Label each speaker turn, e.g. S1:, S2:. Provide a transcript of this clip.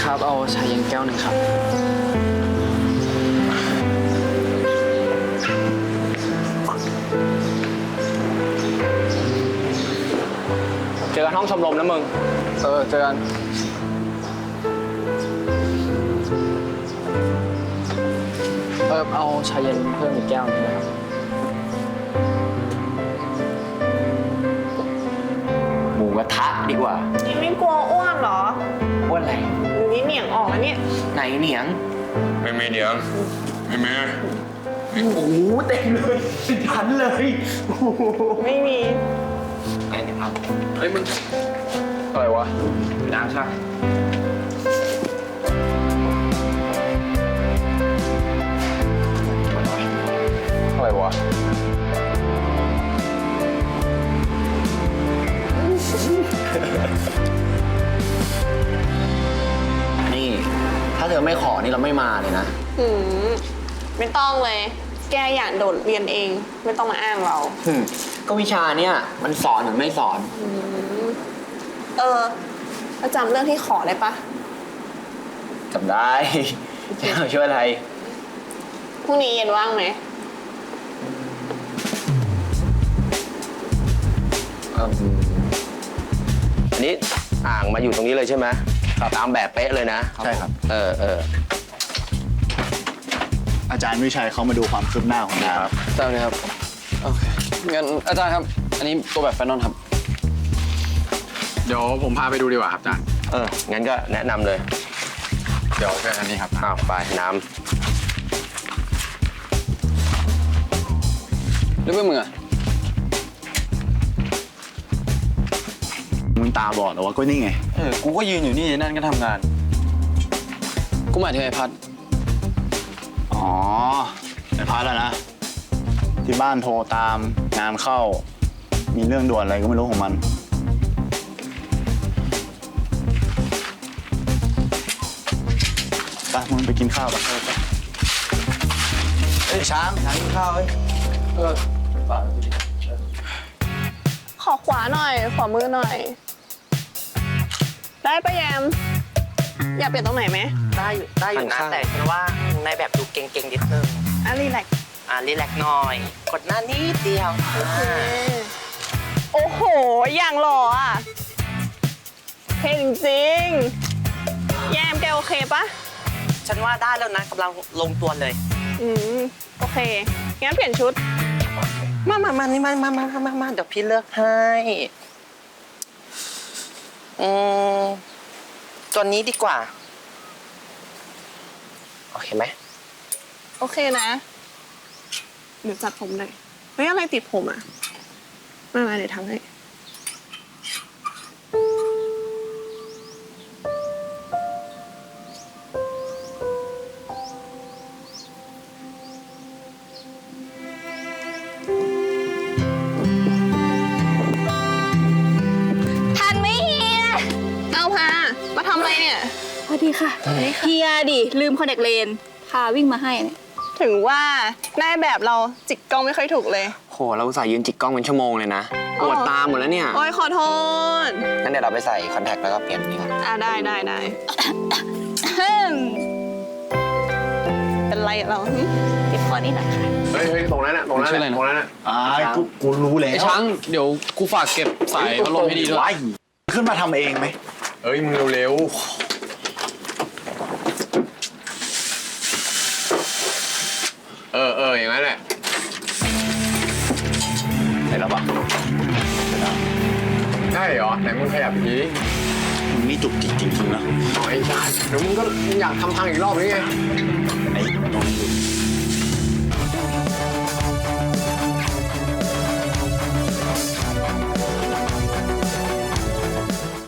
S1: ครับเอาชาเย็นแก้วหนึ่งครับ
S2: เจอกันห้องชมรมนะมึง
S1: เจอกันเอาชาเย็นเพิ่มอีกแก้วหนึงนะครับ
S3: หมูกระทะดีกว่า
S4: นี่ไม่กลัวอ้วนเหรอ
S3: อ้วนอะไร
S4: นี่เหนียงออกแล้วเนี่ย
S3: ไหนเหนียง
S5: ไม่มีเดี๋ยวไม่มี
S3: โอ้โหเต็มเลยเป็นพันเลยโอ้โห
S4: ไม่มี
S3: ไอ้เนี่ยครับ
S2: เฮ้ยมึงอะไรวะน้ำใช่อะไรวะ
S3: นี่ถ้าเธอไม่ขอนี่เราไม่มาเลยนะ
S4: ไม่ต้องเลย แกอยากโดดเรียนเอง ไม่ต้องมาอ้างเรา
S3: ก็วิชาเนี่ยมันสอนหรือไม่สอน
S4: แล้วจำเรื่องที่ขอได้ปะ
S3: จำได้ จะเอาช่วยอะไร
S4: พรุ่งนี้เย็นว่างไหม
S6: อันนี้อ่างมาอยู่ตรงนี้เลยใช่ไหมตามแบบเป๊ะเลยนะ
S7: ใช่ครับ อาจารย์วิชัยเขามาดูความคืบหน้าของงานครับ
S1: ได้เลยครับโอเคงั้นอาจารย์ครับอันนี้ตัวแบบแฟนนอนครับ
S2: เดี๋ยวผมพาไปดูดีกว่าครับอาจารย์
S6: งั้นก็แนะนำเลย
S2: เดี๋ยวเป็นอันนี้ครับ
S6: อ้าวไปน้
S1: แล้วเพื่อนมึงอะ
S7: มึงตาบอดเหรอวะก็นี่ไง
S1: กูก็ยืนอยู่นี่นั่นก็ทำงาน กูหมายถึงไอ้พัด
S7: อ๋อไอ้พัดแล้วนะ ที่บ้านโทรตามงานเข้า มีเรื่องด่วนอะไรก็ไม่รู้ของมัน ไปมึงไปกินข้าวไป
S1: เอ้ยช้างกินข้าวเอ้ยป่า
S4: ขอขวาหน่อย ขอมือหน่อย ได้ปะแยม อยากเปลี่ยนตรงไหนไหม
S3: ได้อยู่นะแต่ฉันว่าในแบบดูเก่งๆนิดนึง
S4: รีแลกซ์
S3: รีแลกซ์หน่อย กดหน้านิดเดียว
S4: โอ้โห อย่างหล่ออ่ะเท่จริงๆ แยมแกโอเคปะ
S3: ฉันว่าได้แล้วนะกำลังลงตัวเลย
S4: โอเค งั้นเปลี่ยนชุด
S3: มานี่มาเดี๋ยวพี่เลือกให้ตัวนี้ดีกว่า โอเคไหม
S4: โอเคนะ เดี๋ยวจัดผมหน่อยเฮ้ยอะไรติดผมอ่ะ มาเดี๋ยวทำให้ทันไหมเฮีย เอาพา มาทำอะไรเนี่ย
S8: พอดีค่ะเฮียดิลืมคอนแทคเลนส์พาวิ่งมาให้เนี่ย
S4: ถึงว่าได้แบบเราจิกกล้องไม่ค่อยถูกเลย
S3: โหเราอุตส่าห์ยืนจิกกล้องเป็นชั่วโมงเลยนะปวดตาหมดแล้วเนี่ย
S4: โอ้ยขอโทษ
S3: งั้นเดี๋ยวเราไปใส่คอนแทคแล้วก็เปลี่ยนนี่ก่อน
S4: ได้ เป็นไรอะเราหึ
S8: ติดคอนี่หน่อยค่ะ
S6: ำเฮ้ยตรงนั้นน่ะตรงนั้น
S1: ชื่ออะไรนะ
S6: ตรงนั้นน่ะ
S7: กูรู้แล้ว
S1: ไอ้ช้างเดี๋ยวกูฝากเก็บสายพัดลมให้ดีด้วย
S7: ว้ายขึ้นมาทำเองไหม
S6: เฮ้ยมึงเร็วอย่างนั้นแหละ
S7: เสร็จแล้วปะเสร็จแล้ว
S6: ได้เหรอไหนมึงขยับที
S7: มึงนี่จุกจิกจริงๆนะ
S6: ไอ้ชาเดี๋ยวมึงก็อยากทำพังอีกรอบหรือไง
S7: ไอ้ตรงนี้ดู